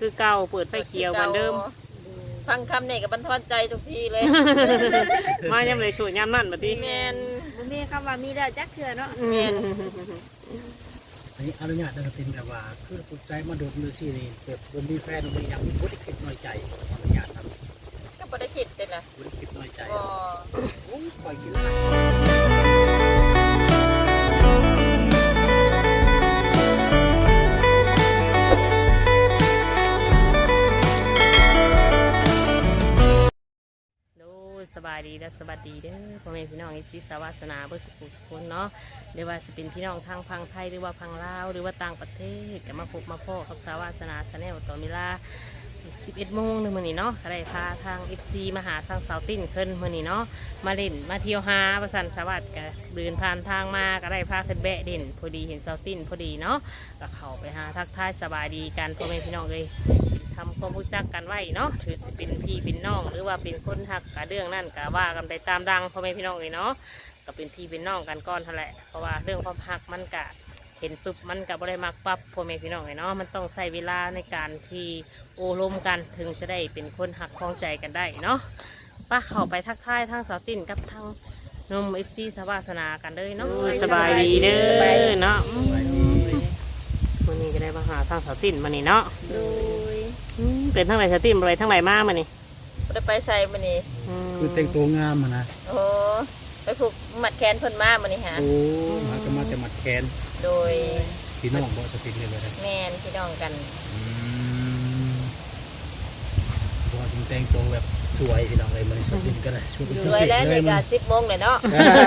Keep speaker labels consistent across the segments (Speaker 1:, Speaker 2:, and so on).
Speaker 1: คือเก่าเปิดไฟเขียวเหมือนเดิม
Speaker 2: ฟังคำนี่กับบรรทอนใจทุกทีเลย
Speaker 1: มาย่ำเลยช่วยย่ำนั่นบัดนี้
Speaker 2: แมน
Speaker 3: บ่มีคำว่ามีแล้วจักเทื่อเนาะ
Speaker 2: แมน
Speaker 4: อันนี้อนุญาตได้เป็นแบบว่าคือปุจใจมาโดดมือที่นี่แบบบ่มีแฟนบ่มีหยังมีบ่ได้คิดน้อยใจอนุญาตครับ
Speaker 2: ก็บ่ได้คิดเลยนะ
Speaker 4: บ่ได้คิดน้อยใจ
Speaker 2: บ่
Speaker 4: โอ้ยปล่อยกินแล้ว
Speaker 1: สบายดีและสวัสดีเด้อพ่อแม่พี่น้องที่สาวาสนาเบอร์สุขุสุขเนาะหรือว่าจะเป็นพี่น้องทางพังไทยหรือว่าพังลาวหรือว่าต่างประเทศก็มาพบมาพ่อกับสาวาสนาชาแนลต่อเวลา11 โมงนึงมื้อนี้เนาะก็ได้พาทาง FC มาหาทางสาวติ้นขึ้นมื้อนี้เนาะมาเล่นมาเที่ยวหาประสันสวัสดิ์ก็เดินผ่านทางมาก็ได้พาขึ้นแบะเด่นพอดีเห็นสาวติ้นพอดีเนาะก็เข้าไปหาทักทายสบายดีกันพ่อแม่พี่น้องเลยทำความรู้จักกันไว้เนาะถือสิเป็นพี่เป็นน้องหรือว่าเป็นคนหักกับเรื่องนั่นก็ว่ากันไปตามดังพ่อแม่พี่น้องเลยเนาะก็เป็นพี่เป็นน้องกันก้อนเท่าแหละเพราะว่าเรื่องความหักมันกะเห็นปุ๊บมันกับบริมักปั๊บพ่อแม่พี่น้องเลยเนาะมันต้องใช้เวลาในการที่โอลมกันถึงจะได้เป็นคนหักคล้องใจกันได้เนาะป้าเข้าไปทักทายทางสาวติ่นกับทางนมFC สวาสนากันเลยเนาะสบายดีเด้อเนาะวันนี้ก็ได้มาหาทางสาวติ่นมานี่เนาะ
Speaker 3: โดย
Speaker 1: เป็นทั้งไหนสติมอะไรทั้งไหนมากมานี่
Speaker 2: บ่ได้ไปใส่มื้อนี้
Speaker 4: คือแต่งตัวงามนะ
Speaker 2: โอ้ไปผูกมัดแขนเพิ่นมามื้อนี้ฮะ
Speaker 4: โอ้มาก็มาแต่มัดแขน
Speaker 2: โดย
Speaker 4: พี่น้องบ่จะเป็นเลย
Speaker 2: แม่นพี่น้องกัน
Speaker 4: ตัวจริงแต่งตัวแบบสวยพี่น้องเลยมันสวยก็ได้ช่วยเป็นพิ
Speaker 2: เศษ
Speaker 4: เลย
Speaker 2: นี่ก็10 โมงเลยเนาะ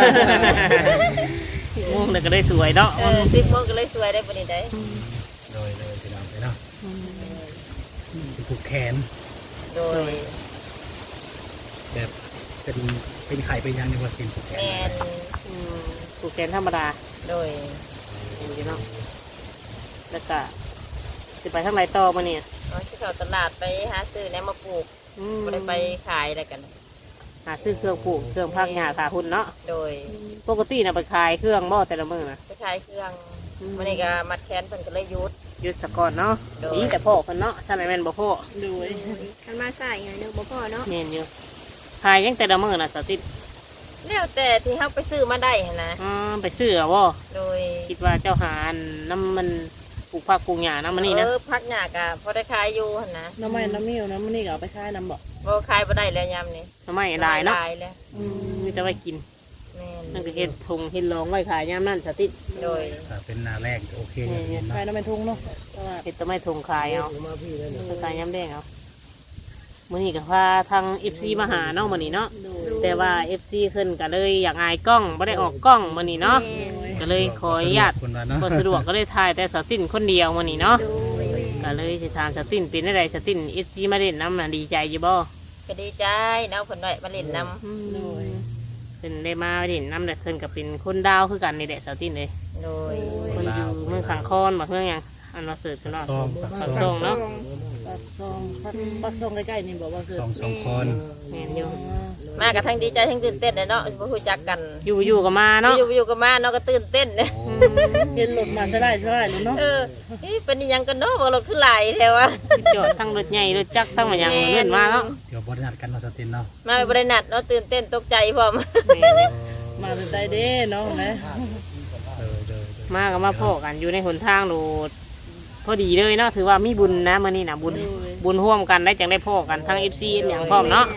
Speaker 1: 10 โมงเลยก็ได้สวยเนาะ
Speaker 2: 10 โมงก็เลยสวยได้มื้อนี้ได้
Speaker 4: เลยพี่น้องเลยเนาะผูกแขน
Speaker 2: โดย
Speaker 4: แบบเป็นไข่เป็นยังในวันกินผูกแขน
Speaker 2: แม่น
Speaker 1: ผูกแขนธรรมดา
Speaker 2: โดย
Speaker 1: เห็นอยู่เนาะแล้วก็จะไปทางไหนต่อมาเนี่ย
Speaker 2: ที่เขาตลาดไปหาซื้อแนวมาปลูกบ่ได้ไปขายอะไรกัน
Speaker 1: หาซื้อเครื่องปลูกเครื่องพักหญ้าถาหุ่นเนาะ
Speaker 2: โดย
Speaker 1: ปกตินะไปขายเครื่องบ่แต่ละมื้อนะ
Speaker 2: ไปขายเครื่องวันนี้ก็มัดแขนเพิ่นก็เลย
Speaker 1: ยุดสะก่อนเนาะนี่แต่พ่อเพิ่นเนาะใช่ไหมแม่นบ่พ่อ
Speaker 3: โดยคันมาใส่ไงนึกบ่พ่อเนาะ
Speaker 1: แม่นอยู่ขายยังแต่ละมื้อน่ะสติ
Speaker 2: แล้วแต่ที่เฮาไปซื้อมาได้หั่นนะ
Speaker 1: ไปซื้อเอาบ่
Speaker 2: โดย
Speaker 1: คิดว่าเจ้าหาน้ำมันปลูกผักปลูกหญ้าน้ำมันนี่นะ
Speaker 2: ผักหญ้าก็พอได้ขายอยู่หั่นนะ
Speaker 1: น้ำไม้น้ำมิ้วน้ำมันนี่ก็เอาไปขายน้ำบ่
Speaker 2: ขายบ่ได้แล้วยามนี้
Speaker 1: น้ำไม้ได้เนาะมีแต่ไว้กิน
Speaker 2: แม่น
Speaker 1: นั่นก็เฮ็ดถุงเฮ็ดรองไว้ขายยามนั้นสติ
Speaker 2: โดย
Speaker 4: เป็นหน้าแรกโอเค
Speaker 1: ขายน้ำไม้ถุงเนาะเฮ็ดแต่ไม้ถุงขายเอาขายยามแดงเอามื้อนี้ก็พาทาง FC มาหาเนาะมื้อนี้เนาะแต่ว่า FC ขึ้นก็เลยอยากอายกล้องบ่ได้ออกกล้องมื้อนี้เนาะก็เลยขออนุญาตบ่สะดวกก็เลยถ่ายแต่สตินคนเดียวมื้อนี้เนาะก็เลยสิถามสตินเป็นได้สติน FC มาเล่นน้ำน่ะดีใจอยู่บ่
Speaker 2: ก็ดีใจเนาะเพิ่นได้มาเล่นน้ำ
Speaker 1: เพิ่นได้มาเล่นน้ำแต่เพิ่นก็เป็นคนดาวคือกันนี่แหละสตินเลย
Speaker 2: โดย
Speaker 1: คนอยู่เมืองสังคอนบ่เมืองหยังอันว่าเสิร์ชกันเนาะปักซองเนาะปักซองใกล้ๆนี่บอกว่าคือ
Speaker 4: สองคน
Speaker 1: แม่นอยู่
Speaker 2: มากับทั้งดีใจทั้งตื่นเต้นเลยเนาะบ่รู้จักกัน
Speaker 1: อยู่กับมาเนาะ
Speaker 2: อยู่กับมาเนาะก็ตื่นเต้นเด้
Speaker 1: เห็นรถมาซะได้เนาะ
Speaker 2: เป็นยังกันเนาะบ่รถขึ้นหลายแท้ว่า
Speaker 1: จอดทั้งรถใหญ่รถจักรทั้งมันยังเล่นมาเนาะ
Speaker 4: เดี๋ยวบ่ได้นัดกันเนาะสตินเนาะ
Speaker 2: มาบ่ได้นัดเนาะตื่นเต้นตกใจพร้อม
Speaker 1: มาเป็นใจเด้เนาะนะมาก็มาพ่อกันอยู่ในหนทางโดดพอดีเลยเนาะถือว่ามีบุญนะมื้อนี้นะบุญร่วมกันได้จังได้พ่อกันทั้ง FC อย่างพร้อมเนาะ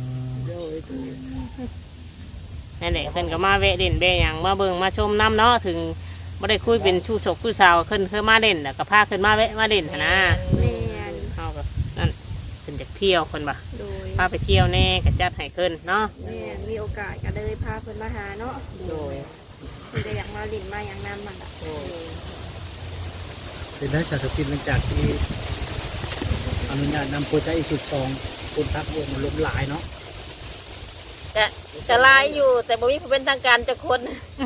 Speaker 1: นั่นแหละเพิ่นก็มาแวะเด่นแวะอย่างมาเบิ่งมาชมน้ำเนาะถึงบ่ได้คุยเป็นชู้ชกชู้สาวขึ้นมาเด่นแล้วก็พาขึ้นมาแวะมาเด่นนะเฮาก็นั่นเพิ่นจะเที่ยวเพิ่นบ่พาไปเที่ยวแน่ก็จัดให้ขึ้นเนาะ
Speaker 3: มีโอกาสก็เลยพาเพิ่นมาหาเนาะ
Speaker 1: โดย
Speaker 3: เพิ่นก็อยากมาลิ้นมาอย่างนั้นมัน
Speaker 4: เป็นได้จากสตินหลังจากที่อนุญาตนำโปรเจกต์สุดซองคนทักวงมันล้มหลายเนาะ
Speaker 2: จะลายอยู่แต่บ่มีผู้เป็นทางการจักคน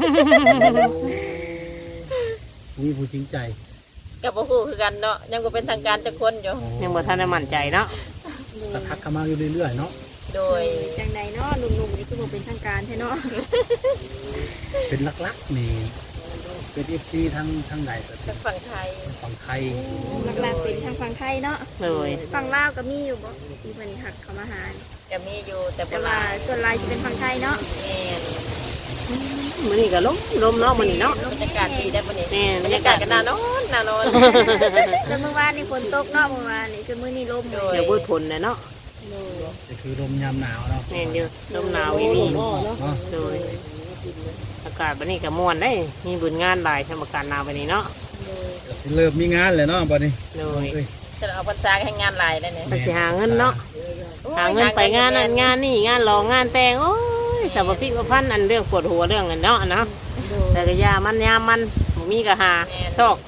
Speaker 4: มีผู้จริงใจ
Speaker 2: กับบ่ฮู้คือกันเนาะยังบ่เป็นทางการจักคนอยู่
Speaker 1: ยังบ่ทันได้มั่นใจเนาะ
Speaker 4: ก็ทักเข้ามาอยู่เรื่อยๆเนาะ
Speaker 2: โดย
Speaker 3: จังใดเนาะหนุ่มๆนี่คือบ่เป็นทางการแท้เนาะ
Speaker 4: เป็นลักๆนี่เป็น FC ทั้งไหนก็เป็
Speaker 2: ทาน งฝั่งไทย
Speaker 4: ฝั่งไทย
Speaker 3: หลักๆเป็นทางฝั่งไทยเนาะ
Speaker 1: เลย
Speaker 3: ฝั่งลาวก็มีอยู่บ่ที่เพิ่นหักเขามาหา
Speaker 2: จะมีอยู่แต่
Speaker 3: แต่
Speaker 2: บ่ห
Speaker 3: ว่า
Speaker 2: ลาย
Speaker 3: ส่วนหลายจะเป็นฝั่งไทยเนาะ
Speaker 2: แม่น
Speaker 1: มื้อนี้ก็ลมเนาะมื้อนี้เนาะ
Speaker 2: บรรยากาศดีได้บ่นี่
Speaker 1: แม่น
Speaker 2: บรรยากาศก็น่านอนน่านอน
Speaker 3: แล้วเมื่อวานนี่ฝนตกเนาะเมื่อวานนี่คือมื้อนี้ลม
Speaker 2: โด
Speaker 1: เดี๋ยวเบิดผลน่ะเนาะ
Speaker 4: ก็คือลมยามหนาวเนาะ
Speaker 1: แม่นอยู่ลมหนาวอีหลี
Speaker 4: เนาะ
Speaker 1: เลยอากาศบัดนี้ก็ม่วนได้มีบุญงานหลายทำอากาศหนาวบัดนี้เนาะ
Speaker 4: สิเริ่มมีงานเลยเนาะบัดนี้
Speaker 1: เลย
Speaker 4: เอ้ย
Speaker 2: จะเอาพรรษาให้งานหลายได้เนี่ย
Speaker 1: มันสิหาเงินเนาะหาเงินไปงานนั้นงานนี่งานรองงานแต่งโอ้ยสารพิษพันอันเรื่องปวดหัวเรื่องเงินเนาะเนาะแต่ก็ยามันยามมันบ่มีก็หาชอก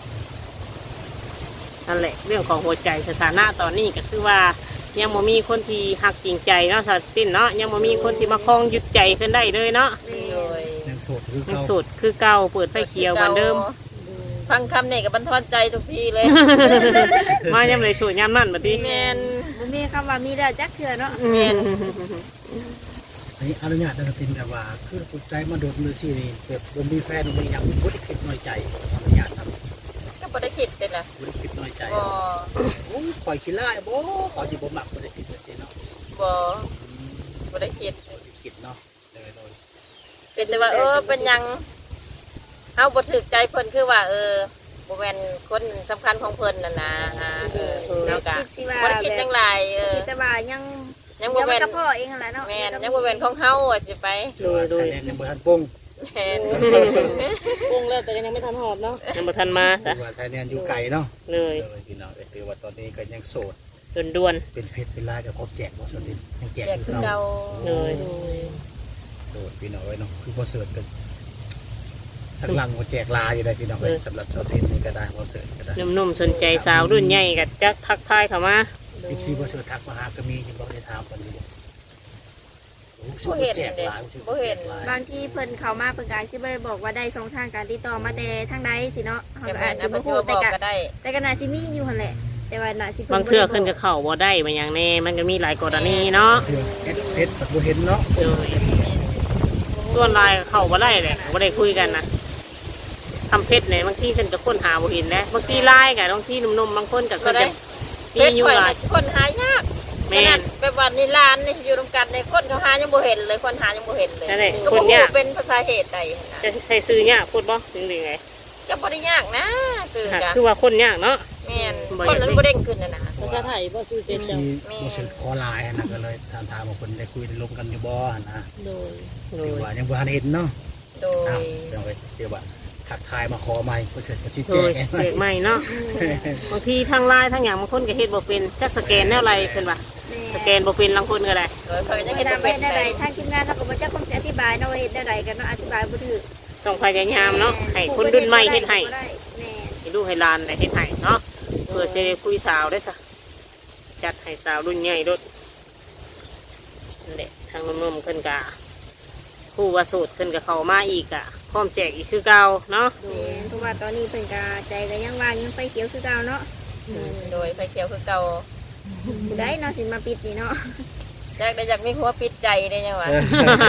Speaker 1: นั่นแหละเรื่องของหัวใจสถานะตอนนี้ก็คือว่ายังบ่มีคนที่หักจริงใจเนาะสัตว์สิ้นเนาะยังบ่มีคนที่มาคล้องยึดใจขึ้นได้เลยเนาะ
Speaker 2: โดย
Speaker 4: ยังโสดคือ
Speaker 1: ยัง
Speaker 4: เก่า
Speaker 1: สุดคือเก่าเปิดไฟเขียวเหมือนเดิม
Speaker 2: ฟังคำนี่ก็บันทอนใจทุกทีเลย
Speaker 1: มายังเลยสูดยามนั่นบัดนี้
Speaker 2: แม่น
Speaker 3: บ่มีคำว่ามีแล้วจักเทื่อเนาะ
Speaker 1: แม่น
Speaker 4: อันนี้อนุญาตจะเป็นแบบว่าคือปลุกใจมาโดดมือที่นี่แบบบ่มีแฟนบ่มีหยังบ่ได้คิดน้อยใจอนุญาตทำ
Speaker 2: ก็บ่ได้คิดเลยล่ะ
Speaker 4: บ่ได้คิดน้อยใจ
Speaker 2: บ่
Speaker 4: โอ้ยปล่อยขี้ร้ายบ่ขอสิบ่มักบ่ได้คิดแบบนี้เนาะ
Speaker 2: บ่บ่ได้คิด
Speaker 4: บ่ได้คิดเนาะโดย
Speaker 2: เป็นแต่ว่าเป็นหยังเฮาบ่ถูกใจเพิ่นคือว่าบ่แม่นคนสำคัญของเพิ่นน่ะนะแล้วก็
Speaker 3: คิดสิว่า
Speaker 2: บ่ได้คิดจังไร
Speaker 3: คิดแต่ว่ายัง
Speaker 2: ยังบ่
Speaker 3: เดี๋ยวมั
Speaker 2: แม่
Speaker 3: น
Speaker 2: น
Speaker 3: ก็พ่อเองนั่นแหละเนาะ
Speaker 2: แม่นยังบ่แม่นของเฮาอะสิไป
Speaker 4: ๆแต่ว่าใส่แนนยังบ่ทันปรุง
Speaker 2: แม่น
Speaker 1: ปรุงแล้วแต่ยังไม่ทันหอดเนาะยังไม่ทันมา
Speaker 4: ถือว่าใส่แนนอยู่ไกลเนาะ
Speaker 1: เลย
Speaker 4: พี่น้องถือว่าตอนนี้ก็ยังโสด
Speaker 1: ด่วน
Speaker 4: เป็นเฟซเป็นไลน์กับครบแจกบ่สนดิยังแจก
Speaker 2: แจก
Speaker 4: คือ
Speaker 2: คือ
Speaker 4: เก่า
Speaker 2: เก่า
Speaker 1: เลย
Speaker 4: โดดพี่น้องเอ้ยเนาะคือบ่เสิร์ชกันสักหลังบ่แจกลาอยู่ได้พี่น้องเอ้ยสำหรับสาวเทนนี่ก็ได้บ่เสิร์ชก็ได้
Speaker 1: ๆนุ่มๆสนใจสาวรุ่นใหญ่กับจักทักทายเข้ามา
Speaker 4: 14บ่เสิร์ชทักมาหาก็มีอยู่บ่ได้ถามกันอยู่บ่โอ้
Speaker 2: บ่เห็น
Speaker 4: แจก
Speaker 2: เด้
Speaker 4: หลาย
Speaker 2: บ่เห็น
Speaker 3: บางทีเพิ่นเข้ามาเพิ่นก็สิบ่ได้บอกว่าได้ช่องทางการติดต่อมาแต่ทางใดสิเนาะเฮา
Speaker 2: แต่
Speaker 3: ก็
Speaker 2: แม่
Speaker 3: อาจ
Speaker 2: น
Speaker 3: สิ
Speaker 2: นะบ่
Speaker 3: บ่
Speaker 2: ฮู้
Speaker 3: ฮู้
Speaker 2: บอกก็ได้
Speaker 3: แต่ก็น่าสิมีอยู่หั่นแหละแต่ว่าน่าสิเพิ่น
Speaker 1: บางเทื่อขึ้นกับเข้าบ่ได้มาอย่างแน่มันก็มีหลายกรณีเนาะ
Speaker 4: เรื่องเพชรบ่เห็นเนาะ
Speaker 1: เลยส่วนลายเข้าบ่ได้แหละบ่ได้คุยกันนะทำเพชรเนี่ยบางทีขึ้นกับคนหาบ่เห็นนะบางทีลายกับบางทีหนุ่มๆบางคนกับก็จะ
Speaker 2: เพิ่
Speaker 1: มี
Speaker 2: น
Speaker 1: อยู่
Speaker 2: ข่อย
Speaker 1: หลาย
Speaker 2: คนหายาก
Speaker 1: แม่น
Speaker 2: ไปวันนี้ร้านนี่อยู่รวมกันในคนเขาหายังบ่เห็นเลยคนหายังบ่เห็นเลย
Speaker 1: นั่นแหละ
Speaker 2: ก็
Speaker 1: ค
Speaker 2: บ่
Speaker 1: น
Speaker 2: ฮู้
Speaker 1: ยาก
Speaker 2: เป็นภาษาเหตุใดนะ
Speaker 1: จะใช้ซื้อเนี่ยพูดบ่ถึงไง
Speaker 2: ก็บ่ได้ยากนะคือ
Speaker 1: ค่ะ
Speaker 2: จ้ะ
Speaker 1: คือว่าคนยากเนาะ
Speaker 2: แม่น
Speaker 1: บ่
Speaker 2: คน
Speaker 1: อยาก
Speaker 2: นั้นบ่เด้งขึ้นน่ะนะ
Speaker 5: ภาษาไทยบ่ซื้อเป็น
Speaker 4: สิ
Speaker 5: จัง
Speaker 4: บ่เสิร์ชขอไลน์นะก็เลยถามว่าเพิ่นได้คุยได้ลมกันอยู่บ่นะ
Speaker 5: โดย
Speaker 1: เล
Speaker 4: ถือย ว่ายังบ่ทันเห็นเนาะ
Speaker 2: โด
Speaker 4: อ้าวย เดี๋ยวไปเดี๋ยวว่าทักทายมาขอใหม่บ่เสิร์ชก็สิ
Speaker 1: โด
Speaker 4: แจ
Speaker 1: ย
Speaker 4: ก
Speaker 1: เด็กใหม่เนาะบางทีทางไลน์ทางอย่างบางคนก็เฮ็ดบ่เป็นจักสแกนแนวไรขึ้นว่าสแกนบ่เป็นบางคนก็ได้
Speaker 2: โดยเพิ่นยัง
Speaker 3: เฮ็
Speaker 2: เฮ็
Speaker 3: ด
Speaker 2: ด
Speaker 3: ได้
Speaker 2: บ่เป็น
Speaker 3: ได้
Speaker 2: เลย
Speaker 3: ทางทีมงานเราก็บ่จักคงสิอธิบายเนาะว่าเฮ็ดได้ใดกันเนาะอธิบายบ่ถูก
Speaker 1: ต้องพยายามเนาะให้คนรุ่นใหม่เฮ็ดให้
Speaker 3: แม่
Speaker 1: ให้ลูกให้หลานได้เฮ็ดให้เนาะเพื่อสิได้คุยสาวได้ซะจัดให้สาวรุ่นใหญ่โดดนั่นแหละทางนุ่มๆขึ้นกะผู้ว่าโสูตรขึ้นกับเขามาอีกอะพร้อมแจกอีกคือเก่าเนาะ
Speaker 3: เพราะว่าตอนนี้เพิ่นก็ใจก็ยังว่างยังไฟเขียวคือเก่าเนาะ
Speaker 2: โดยไฟเขียวคือเก่า
Speaker 3: ผู้ใดเนาะสิมาปิดนี่เนาะ
Speaker 2: อยากมีหัวปิดใจได้ยังวะ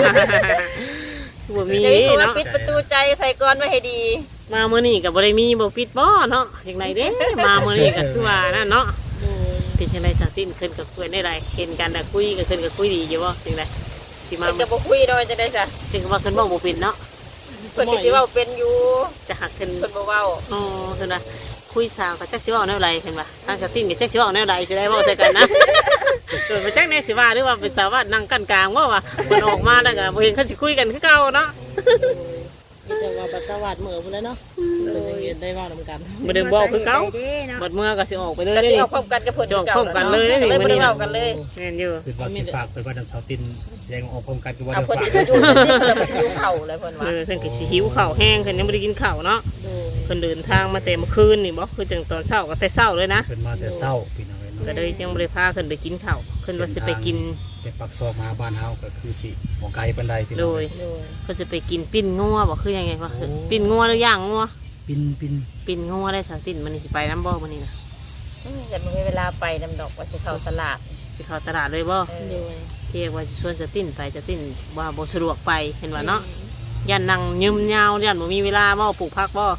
Speaker 1: บ่มี
Speaker 2: อยากมีหัว
Speaker 1: เนาะ
Speaker 2: ปิดประตูใจใส่กรไว้ให้ดี
Speaker 1: มามื้อนี้ก็บ่ได้มีบ่ปิดบ่เนาะจังไดเด้ มามื้อนี้ก็คือว่านั่นเนาะ
Speaker 5: โดย
Speaker 1: เป็นจังไดจังติ้นขึ้นกับเพื่อนได้ไรเห็นกันแต่คุยก็ขึ้นกับคุยดีอยู่บ่จังไดสิมา
Speaker 2: เพิ่นก็บ่คุยโดยจะได้จ้ะ
Speaker 1: ถึงว่าขึ้นบ่บ่เป็นเนาะ
Speaker 2: เพิ่นก็สิเว้าเป็นอยู่
Speaker 1: จะหักขึ้น
Speaker 2: เพิ่นบ่เว้า
Speaker 1: อ๋อเพิ่นว่าคุยสาวก็จักสิเว้าแนวใดเพิ่นว่าทางจังติ้นก็จักสิเว้าแนวใดสิได้เว้าใส่กันนะ เกิดมาจักแนวสิว่าหรือว่าเป็นสาวว่านั่งกันกลางว่าว่าเพิ่นออกมาแล้วก็บ่เห็นเขาสิคุยกันคือเก่าเนาะ
Speaker 5: มีแต่ว่าบัตรสวัสดิ์เหมือพุ่นแหล้วเนาะเพิ่นยังเรียนได้เว่านำกัน
Speaker 1: บ่ได้บอกคือเก่า
Speaker 3: เด้เนาะ
Speaker 1: บัดเมื่อก็สิออกไปเลย
Speaker 2: ก็
Speaker 1: เด้
Speaker 2: สิ
Speaker 1: นี่
Speaker 2: เอาพร้อมกันกับเพิ่น
Speaker 1: จะออกพร้อมกันเลย
Speaker 2: เลยบ่ได้เว้ากันเลย
Speaker 1: แม่นอยู่
Speaker 4: คือว่าสิฝากเพิ่นว่าน้ำเสาตินแสดงออกพร้อมกันคือว่า
Speaker 2: เอา
Speaker 4: ได้
Speaker 2: เพิ่น
Speaker 4: ฝาก
Speaker 2: สิอยู่เพิ่นสิเพิ่นหิวข้าวเลยเพิ่นว่า
Speaker 1: เพิ่นก็สิหิวข้าวแห้งเพิ่นยังบ่ได้กินข้าวเนาะ
Speaker 5: โดย
Speaker 1: เพิ่นเดินทางมาแต่เมื่อคืนนี่บ่คือจังตอนเช้าก็แต่เช้าเลยนะ
Speaker 4: เพิ่นมาแต่เช้าพี่น้องเอ้ย
Speaker 1: ก็
Speaker 4: เนาะ
Speaker 1: เลยยังบ่ได้พาขึ้นไปกินข้าวขึ้นว่าสิไปกิน
Speaker 4: ไปปักซอกมาบ้านเฮาก็คือสิบ่ไกลปานใดพี่
Speaker 1: โด
Speaker 4: น้อง
Speaker 1: ย
Speaker 5: โดย
Speaker 1: เพิ่นจะไปกินปิ้นงัวบ่คือยังไงวะปิ้นงัวหรือย่างงัว
Speaker 4: ปิน
Speaker 1: ปิ้นงัวได้สาวตินมันนี่สิไปน้ำบ่มื้อนี้นะ
Speaker 2: แต่มันมีเวลาไปนำดอกว่าสิเข้าตลาด
Speaker 1: สิเข้าตลาดเลยบ่
Speaker 5: โดย
Speaker 1: เรียกว่าสิชวนสาวตินไปสาวตินว่าบ่สะดวกไปเห็นว่าเนาะยันนั่งยืมยาวยันบ่มีเวลาบ่ปลูกผักบ่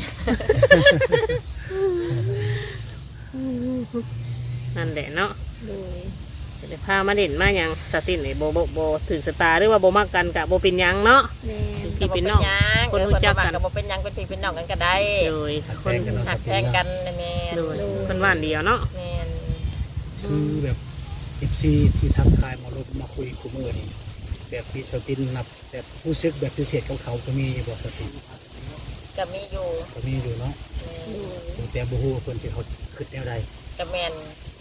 Speaker 1: นั่นแหละเนาะ
Speaker 3: โดย
Speaker 1: เดี๋ยวพามาเด่นมาหยังสตินนี่โบถึงสตาหรือว่าโบมักกันกะโบเป็นหยังเนาะ
Speaker 3: แม่น
Speaker 1: พี่เป็นน้อง
Speaker 2: คน
Speaker 1: คนรู้
Speaker 2: รู้
Speaker 1: จั
Speaker 2: จั
Speaker 1: ก
Speaker 2: ก
Speaker 1: กั
Speaker 2: กัน นก็บ่เป็นหยังเป็นพี่เป็นน้องกันก็ได้
Speaker 1: โดยคน
Speaker 2: หักแทงกันนะแม่น
Speaker 1: โดยคนบ้านเดียวเนาะ
Speaker 2: แม่น
Speaker 4: คือแบบFCที่ทักทายมาลบมาคุยคุมือนี่แบบพี่สตินนับแบบผู้ซึกแบบพิเศษของเขาก็มีบ่สติน
Speaker 2: ก็มีอยู่
Speaker 4: ก็มีอยู่เนาะ
Speaker 2: แม่น
Speaker 4: แต่บ่ฮู้ว่าเพิ่นที่เขาคิดแนวใด
Speaker 2: ก็แม่น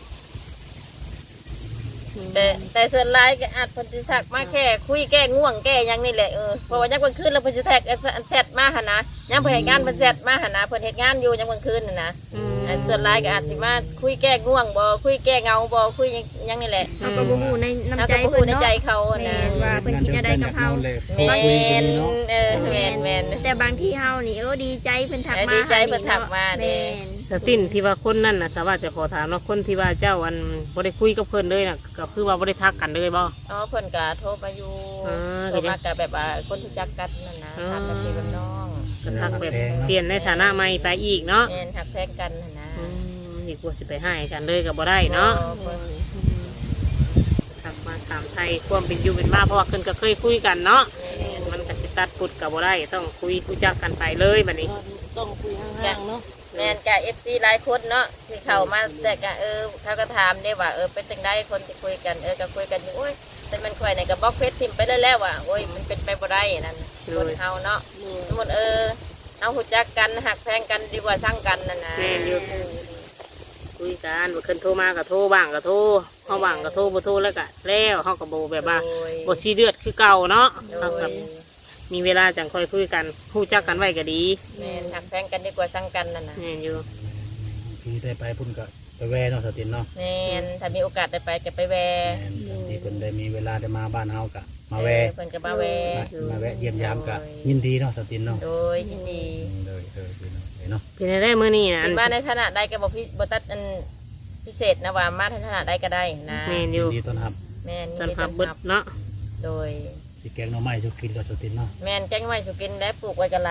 Speaker 2: แต่ส่วนหลายก็อาจเพิ่นสิทักมาแค่คุยแก้ง่วงแก้หยังนี่แหละเพราะว่ายังกลางคืนแล้วเพิ่นสิแท็กแชทมาหั่นนะยังเพิ่นเฮ็ดงานเพิ่นแชทมาหั่นนะเพิ่นเฮ็ดงานอยู่ยังกลางคืนน่ะนะ อันส่วนหลายก็อาจสิมาคุยแก้ง่วงบ่คุยแก้เหงาบ่คุยหยังนี่แหละ
Speaker 3: เอาก็บ่ฮู้ในน้ำ
Speaker 2: เอา
Speaker 3: ใจ
Speaker 2: ก็บ่
Speaker 3: เพิ่
Speaker 2: ฮู้
Speaker 3: น
Speaker 2: ใน
Speaker 3: เนาะ
Speaker 2: ใจเขา
Speaker 3: แม่
Speaker 2: นะ
Speaker 3: นว่าเพิ่นคิดอะไรกับเฮา
Speaker 2: แม่น
Speaker 4: คุยกันเนาะ
Speaker 2: แม่น
Speaker 3: แต่บางทีเฮานี่ดีใจเพิ่นทักมา
Speaker 2: ดีใจเพิ่นทักมาเด้
Speaker 3: แม่น
Speaker 1: สตินที่ว่าคนนั่นน่ะสามารถจะขอถามว่าคนที่ว่าเจ้าอันบ่ได้คุยกับเพิ่นเลยน่ะก็คือว่าบ่ได้ทักกันเลยบ่
Speaker 2: อ๋อเพิ่นก็โทรมาอยู่
Speaker 1: อ่า
Speaker 2: โทรมาก็แบบว่าคนรู้จักกันนั่นนะ
Speaker 1: อ่า
Speaker 2: ถามแบบพี่แบบน้อง
Speaker 1: ก็ทักแบบเปลี่ยนในฐานะใหม่ไปอีกเนาะ
Speaker 2: แม่นหักแท้งกันนั่นนะ
Speaker 1: นี่กลัวสิไปให้กันเลยก็บ่ได้เนาะ
Speaker 2: บ่
Speaker 1: ทักมาถามไทยความเป็นอยู่เป็นมาเพราะว่าเพิ่นก็เคยคุยกันเนาะมันก็สิตัดปุดก็บ่ได้ต้องคุยรู้จักกันไปเลยบัดนี้
Speaker 5: ต้องคุยห่างๆเนาะ
Speaker 2: แม่นก็ FC หลายคนเนาะที่เข้ามาแต่ก็เขาก็ถามได้ว่าเป็นจังได๋คนที่คุยกันก็คุยกันอยู่โอ้ยแต่มันค่อยนี่ก็บล็อกเฟซทิมไปแล้วว่าโอ้ยมันเป็นไปบ่ได้นั่นคนเฮาเนาะ สมมติเอาหูจักกันหักแพงกันดีกว่าสร้างกันนั่นนะ
Speaker 1: แม่นอยู่คุยกันบ่เพิ่นโทรมาก็โทรบ้างก็โทรเฮาบ้างก็โทรบ่โทรแล้วก็แล้วเฮาก็บ่แบบว่า
Speaker 2: โดย
Speaker 1: บ่ซีเดือดคือเก่าเนาะ
Speaker 2: โด
Speaker 1: เฮาย ก็มีเวลาจังค่อยคุยกันรู้จักกันไว้ก็ดี
Speaker 2: แม่นหักแพงกันดีกว่าสร้างกันนั่นนะ
Speaker 1: แม่นอยู่
Speaker 4: ที่ได้ไปพุ่นก็ไปแวเนาะสตินเนาะ
Speaker 2: แม่นถ้ามีโอกาสได้ไปก็ไปแว
Speaker 4: แม่นที่เพิ่นได้มีเวลาได้มาบ้านเฮาก็มาแว
Speaker 2: เพิ่นก็มาแว
Speaker 4: มาแวะเยี่ยมยามก็ยินดีเนาะสตินเนาะ
Speaker 2: โดยยินดี
Speaker 4: เลยเนาะ
Speaker 1: เป็นได้มื้อนี้นะ
Speaker 2: สิมาในฐานะใดก็บอกพี่บ่ตัดอันพิเศษนะว่ามาในฐานะใดก็ได้นะ
Speaker 1: แม่นอ
Speaker 4: ยิ
Speaker 1: ยู่
Speaker 4: นดีต้อนรับ
Speaker 2: แม่น
Speaker 1: ตอนพับเบิดเนาะ
Speaker 2: โดย
Speaker 4: สิแกงหน่อไม้สุกินกับสตินเนาะ
Speaker 2: แม่นแจ้งไว้สุกินได้ปลูกไว้กะไร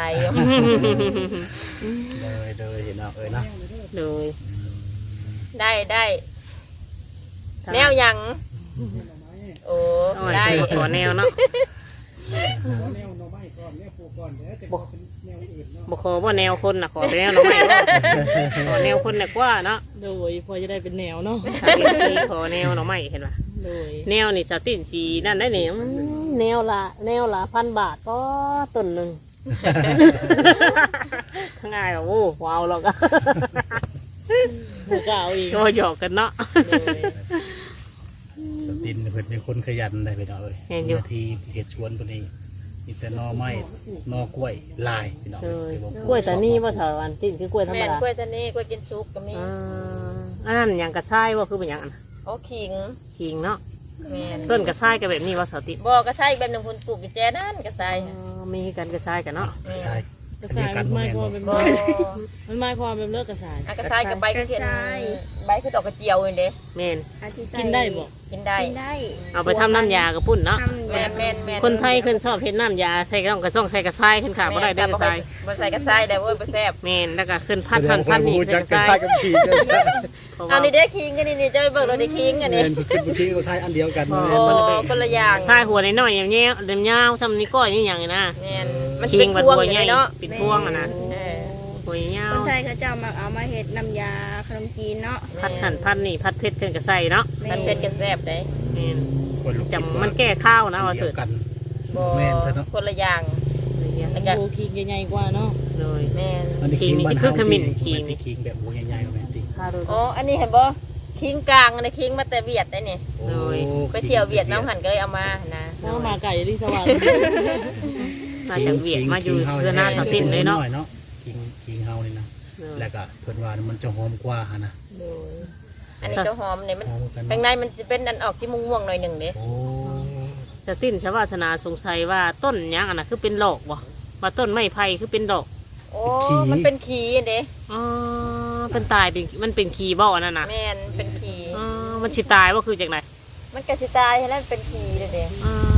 Speaker 4: เลยเห็นเนาะเนาะ
Speaker 1: โดย
Speaker 2: ได้แนวหยังโอ้
Speaker 1: อ้อย
Speaker 2: ได้
Speaker 1: เพิ่นก็ขอแนวเนาะบ่ขอบ่แนวคนน่ะขอแต่แนวหน่อไม้บ่ขอแนวคนน่ะกว่าเนาะ
Speaker 5: โดยพอจะได้เป็นแนวเนาะ
Speaker 1: ถ้า FC ขอแนวหน่อไม้เห็นป่ะ
Speaker 5: โดย
Speaker 1: แนวนี่สตินสีนั่นได้เนี่ยแนวละ1,000 บาทก็ต้นหนึ่ง ทั้งง่ายแบบโอ้ว้าวหรอกอะ
Speaker 5: หัวกเอาอีก
Speaker 1: ก็หยอกกันเนาะ
Speaker 5: โดย
Speaker 4: สตินเพิ่นเป็นคนขยันได้ไปเนาะที่เฮ็ดสวนเพิ่นนี่มีแต่หน่อไม้หน่อกล้วยลายพี่น้อง
Speaker 1: กล้วยตานี่ว่าเถอะอันตินคือกล้วยธรรม
Speaker 2: แม่น
Speaker 1: ดาก
Speaker 2: ล้วยตานีกล้วยกินซุปก็มี
Speaker 1: อันนั้นอย่างกระชายว่าคือเป็นอย่างอัน
Speaker 2: โอ้ขิง
Speaker 1: ขิงเนาะ
Speaker 2: แม่น
Speaker 1: ต้นกระชายก็แบบนี้ว่าสติ
Speaker 2: บ่ก็ใช่แบบหนึงคนปลูกอยู่แจนั่นก็ใช่
Speaker 1: มีกันกระชายกันเนาะ
Speaker 4: ใช่
Speaker 5: กระสายมันหมายความแบบ
Speaker 2: บ่
Speaker 5: มันหมายความแบบเลิกกระสาย
Speaker 2: อากระชายกับใบคือเขียนใบคือดอกกระเจียวนี่เด้
Speaker 1: เมน
Speaker 3: อาทิใส่
Speaker 5: กินได้บ่
Speaker 2: กินได้
Speaker 3: กินได้
Speaker 1: เอาไปทำน้ำยากระปุ่นเนาะ
Speaker 3: ทำ
Speaker 2: แม่
Speaker 3: ยาน
Speaker 2: แม่นแม่น
Speaker 1: คนไทยเพิ่นชอบเฮ็ดน้ำยาใส่ก็ต้องใส่กระชายขึ้นค่ะบ่ได้เด้อกระชาย
Speaker 2: บ่ใส่กระชายได้เว้ยบ่แซ่บ
Speaker 1: เมนแล้วก็ขึ้นพันนี่
Speaker 4: จั
Speaker 1: ใส่
Speaker 4: ก
Speaker 1: กระชาย
Speaker 4: กับขี่
Speaker 2: เอานี่เด้คิงกันนี่จะไปเบิกเราได้คิงกันนี่
Speaker 4: ขึ้นบางทีก็ใช้อันเดียวกัน
Speaker 2: โอ้คนละอย่าง
Speaker 1: ใส่หัวน้อยๆอย่างเงี้ยเดิมยาวซ้ำนี้ก้อยนี่อย่างนี้นะ
Speaker 2: แม่นมัน
Speaker 1: คิ
Speaker 2: เป็น
Speaker 1: งบัด
Speaker 2: พวง
Speaker 1: หัว
Speaker 2: อยู่
Speaker 1: ใหญ่
Speaker 2: เลยเนาะ
Speaker 1: ปิดพวงอ่ะนะ
Speaker 2: เออ
Speaker 1: หัวยา
Speaker 3: คว นไทยเขาจะมาเอามาเฮ็ดน้ำยาขนมจีนเนาะ
Speaker 1: พัดหั่นพัดนี่พัดเพชรขึ้นกับใส่เนาะ
Speaker 2: มันเป็นกระแซ่บได้
Speaker 1: แม่น
Speaker 4: คนลูก
Speaker 1: จำมันแก้ข้าวนะว่า
Speaker 4: เดี
Speaker 1: สุ
Speaker 4: ย
Speaker 1: ด
Speaker 4: วกัน
Speaker 2: บ่
Speaker 4: แม่นซะเนาะ
Speaker 2: คนละอย่าง แล้วก็
Speaker 5: โอ้คิงใหญ่ๆกว่าเนาะ
Speaker 1: เลย
Speaker 2: แม่น
Speaker 4: อันนี้คิงบ้านเฮาคิงแบบหัวใหญ่ๆแม่นติ
Speaker 1: ข้าวดู
Speaker 2: อ๋ออันนี้เห็นบ่คิงกลางอันนี้คิงมาแต่เวียดได้นี่ไปเที่ยวเวียดน้องหันก็เลยเอามานะ
Speaker 5: เพราะมาไก่ที่สวรรค์
Speaker 1: มาจากเวียดมาอยู่เพื่อหน้าสาวตินเลยเนาะ
Speaker 4: คิงเฮานี่นะแล้วก็เพิ่นว่ามันจะหอมกว่าหั่นน่ะ
Speaker 2: อันนี้เจ้าหอมเนี่ยมัน
Speaker 4: หอมกัน
Speaker 2: ข้างในมันจะเป็นอันออกที่ม่วงๆหน่อยหนึ่งเด้
Speaker 4: โอ้
Speaker 1: สาวตินชาวาสนาสงสัยว่าต้นยังอันน่ะคือเป็นดอกบ่ว่าต้นไม้ไผ่คือเป็นดอก
Speaker 2: โอ้มันเป็นขีเด้
Speaker 1: อ๋อเป็นตายเป็นมันเป็นขีบ่อันนั้นน่ะ
Speaker 2: แม่นเป็นขี
Speaker 1: อ๋อมันสิตายว่าคือจากไหน
Speaker 2: มันกระสิตายแล้วเป็นขีเลยเด้
Speaker 1: อ๋อกำลัง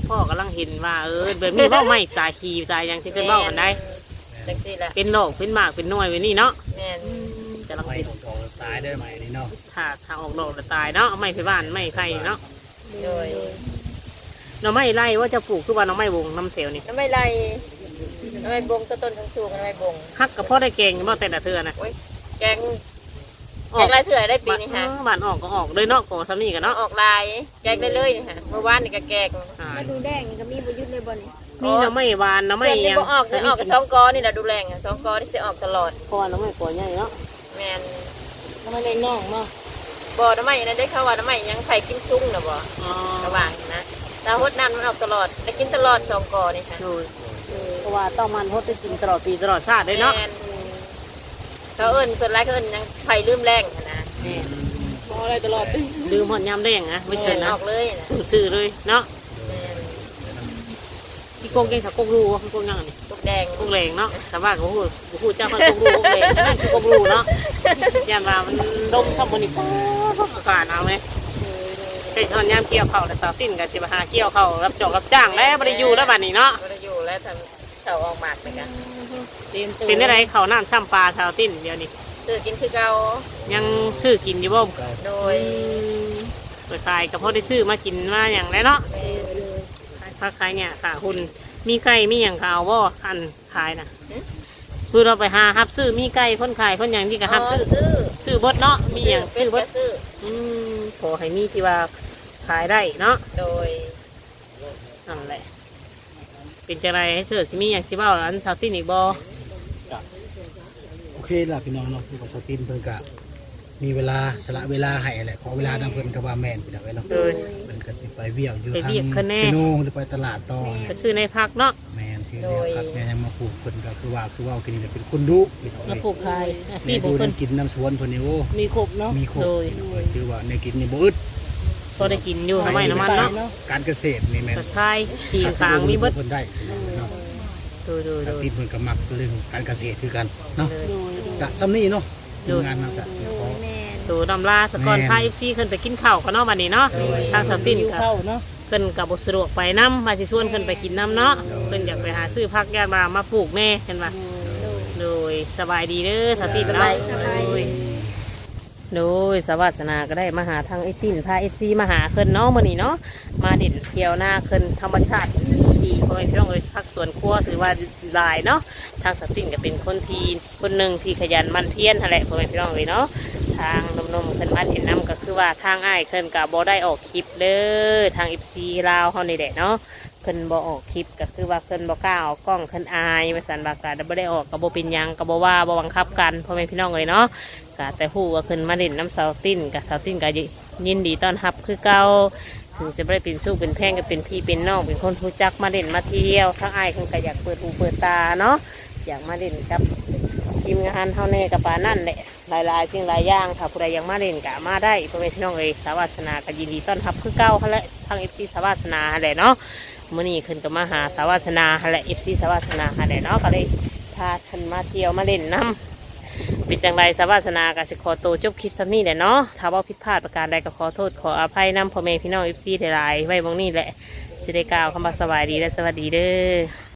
Speaker 1: พ่อกำลังเห็นว่าแบบนี้เว้าไม่ตายขี้ตายหยังที่เพิ่นเว้ากันได้
Speaker 2: จังซี่แหละ
Speaker 1: เป็นโรคเป็นหมากเป็นหน่วยไว้นี่เนาะ
Speaker 2: แม่น
Speaker 1: กำลัง
Speaker 4: ไม่
Speaker 1: คิด
Speaker 4: ออกตายได้ไหมนี่เนาะ
Speaker 1: ถ้าออกดอกแล้วตายเนาะไม่ไปบ้านไม่ใครเนาะ
Speaker 2: โดย
Speaker 1: หน่อไม้ไร่ว่าจะปลูกคือว่าหน่อไม้วงน้ำเสียวนี่
Speaker 2: น้ำไม่ไรน้ำไม่บงต้นทั้งสูงน้ำไม่บง
Speaker 1: ฮักกับพ่อได้เก่งบ่แต่ละเทื่อนะ
Speaker 2: โอ้ยแกงแกงลายเถื่อได้ปีนี้ฮะ
Speaker 1: บ้านออกก็ออกเลยเนาะก่อซ้ำนี่กันเนาะ
Speaker 2: ออกลายแกงได้เลยนี่ฮะเมื่อวานนี่ก็แกง
Speaker 1: อ่า
Speaker 3: มาดูแดงนี่ก็มีบ่หยุดเลยบ่นี่
Speaker 1: มีหน่อไม้หวานหน่อไม้
Speaker 2: เพื่อนนี่
Speaker 1: ยัง
Speaker 2: บ่ออกจะออกกับสองกอนี่แหละดูแรงอะสองกอที่จะออกตลอด
Speaker 1: เพราะว่าหน่อไม้ก่อใหญ่เนาะ
Speaker 2: แมน
Speaker 5: ทำไมเล็กน้องเนาะ
Speaker 2: บ่น้ำไม่นั้นได้เข้าว่าน้ำไม่ยังไข่กินซุ้งนะบ่
Speaker 1: อ๋อ
Speaker 2: ระหว่างนะตาหดน้ำมันออกตลอดได้กินตลอดสองกอนี่ค่ะ
Speaker 1: โดยเพราะว่าต้องมันพดได้กินตลอดปีตลอดชาติเลยเนาะ
Speaker 2: แมนเขาเอิ้นส่วนไรเขาเอิ้นยังไข่ลืมแรงหั้นนะ
Speaker 1: นี่
Speaker 5: มออะไรตลอดติ
Speaker 1: ลืมหอดยำได้ยังนะไม่เชิญ
Speaker 2: แม่
Speaker 1: นะ
Speaker 2: ออกเลยนะ
Speaker 1: ซื่อๆเลยเนาะ
Speaker 2: แม่น
Speaker 1: พี่โกงเก่งสักโกงรูพี่โกงยังนี่
Speaker 2: ลูกแดง
Speaker 1: โกงแรงเนาะแต่ว่าเขาพูดเจ้าพันโกงรูโกงแรงนั่นคือโกงรูเนาะยันว่ามันดมทำมันนี่ป๊ออากาศเอาไหมใช่ตอนยามเกี่ยวเข่าแต่สาวสิ้นกับสิบหาเกี่ยวเข่ารับจอกรับจ้างแล้วไม่ได้อยู่แล้วบัดนี้เนาะ
Speaker 2: ก็ได้อยู่แล้วทำเขาออกหมากไปกัน
Speaker 5: เตรียมตัว
Speaker 1: เป็นอะไรเขาน้ำซ้ำปลาสาวสิ้นเดียวนี้
Speaker 2: ซื้อกินคือเก่า
Speaker 1: ยังซื้อกินอยู่บ่
Speaker 2: โดย
Speaker 1: เปิดขายก็พอได้ซื้อมากินมาอย่างไรเนาะ
Speaker 2: แม่น
Speaker 1: ขายผักขายเนี่ยค่ะคุณมีไก่มีอย่างขาวบ่อันขายนะคือเราไปหาฮับซื้อมีไก่คนขายคนอย่างที่ก็ฮับซื้อ
Speaker 2: ซื้อ
Speaker 1: ซื้อเบดเนาะมีอย่าง
Speaker 2: เป็
Speaker 1: ซื้
Speaker 2: น
Speaker 1: อเบ
Speaker 2: แค่
Speaker 1: ด
Speaker 2: ซื้อ
Speaker 1: ขอให้มีที่ว่าขายได้เนาะ
Speaker 2: โดย
Speaker 1: นั่นแหละเป็นจังไรให้เสิร์ชสิมีอย่างสิเบ้าอันชาวตินอีกบ่
Speaker 4: โอเคล่ะพี่น้องเนาะคือของสตินเพิ่นก็มีเวลาสละเวลาให้แหละขอเวลานำเพิ่นก็ว่าแม่นไปแล้วเนาะ
Speaker 1: เลย
Speaker 4: เพิ่นก็สิไปเวียกอยู่
Speaker 1: ไป
Speaker 4: ทาง
Speaker 1: เวียกคะแนน
Speaker 4: ชิโนหรือไปตลาดต่อ
Speaker 1: ไปซื้อในพักเนาะ
Speaker 4: แม่นที่เรียกครับแม่ยังมาปลูกเพิ่นก็คือว่ากินนี่เป็นคนดุพี่น้อง
Speaker 1: มาปลูกขายอาชี
Speaker 4: แม่
Speaker 1: พขอ
Speaker 4: ดู
Speaker 1: งเพิ่น
Speaker 4: น้ำกินน้ำสวนเพิ่นนี่โอ้
Speaker 5: มีครบเนาะ
Speaker 4: มีครบ
Speaker 1: โดย
Speaker 4: พี่น้องคือว่าในกินนี่บ่อึด
Speaker 1: พอได้กินอยู่ทำไมน้ำมันเนาะ
Speaker 4: การเกษตรนี่แม่น
Speaker 1: กระชายขีงขางมีเบิด
Speaker 4: เพิ่นได้เนาะ
Speaker 1: ดูดู
Speaker 4: ส
Speaker 1: ดู
Speaker 4: ตินเพิ่นก็มักเรื่องการเกษตรคือกันเนาะ
Speaker 1: เลย
Speaker 5: โดย
Speaker 4: กะซ้ำนี่เนาะ
Speaker 1: โดย
Speaker 4: ทำงานเนาะกะเดี๋ยวขอ
Speaker 3: แม่น
Speaker 1: ดูดำลาสกอนพาเอฟซีขึ้นไปกินข้าวกันเนาะวันนี้เนาะทางสติน
Speaker 5: อยู่
Speaker 1: กับ
Speaker 5: เข้าเนาะ
Speaker 1: ขึ้นกับบสะดวกไปน้ำมาสิชวนขึ้นไปกินน้ำเนาะขึ้นอยากไปหาซื้อพักยามาปลูกแม่กันมาโดยสบายดีเด้อสตินเนาะโดยสวัสนาก็ได้มาหาทางไอตินพาเอฟซีมาหาขึ้นเนาะมื้อนี้เนาะมาเด่นเที่ยวหน้าขึ้นธรรมชาติดีๆพ่อแม่พี่น้องเอ้ยพักสวนครัวถือว่าหลายเนาะทางสตินก็เป็นคนที่คนหนึ่งที่ขยันหมันเพียรนั่นแหละพ่อแม่พี่น้องเอ้ยเนาะทางนมๆขึ้นมาเห็นน้ำก็คือว่าทางอ้ายขึ้นกับบ่ได้ออกคลิปเลยทางเอฟซีลาวเฮานี่แหละเนาะเพิ่นบ่ออกคลิปก็คือว่าเพิ่นบ่กล้าออกกล้องเพิ่นอายว่าซั่นว่าก็บ่ได้ออกก็บ่เป็นหยังก็บ่ว่าบ่บังคับกันพ่อแม่พี่น้องเอ้ยเนาะ ก็แต่ฮู้ว่าขึ้นมาเล่นน้ำเสาติ้นกับเสาติ้นก็ยินดีต้อนรับคือเก่าถึงจะไม่ได้เป็นสู้เป็นแพงก็เป็นพี่เป็นน้องเป็นคนรู้จักมาเล่นมาเที่ยวทั้งอ้ายเพิ่นก็อยากเปิดหูเปิดตาเนาะอยากมาเล่นกับทีมงานเฮาแน่กับปานั่นแหละหลายๆสิ่งหลายอย่างถ้าผู้ใดอยากมาเล่นก็มาได้พ่อแม่พี่น้องเอ้ยสาวาสนาก็ยินดีต้อนรับคือเก่าหั่นแหละทาง FC สาวาสนาหั่นแหละเนาะมื้อนี้ขึ้นก็มาหาสาวาสนาหั่นแหละ FC สาวาสนาหั่นแหละเนาะก็เลยพาท่านมาเที่ยวมาเล่นน้ำ เป็นจังไรสาวาสนากับสิขอตัวจบคลิปซ้ำนี่แหละเนาะถ้าว่าผิดพลาดประการใดก็ขอโทษขออภัยนำพ่อแม่พี่น้องเอฟซีหลายๆไว้บางนี่แหละสิได้กล่าวคำว่าสบายดีและสวัสดีเด้อ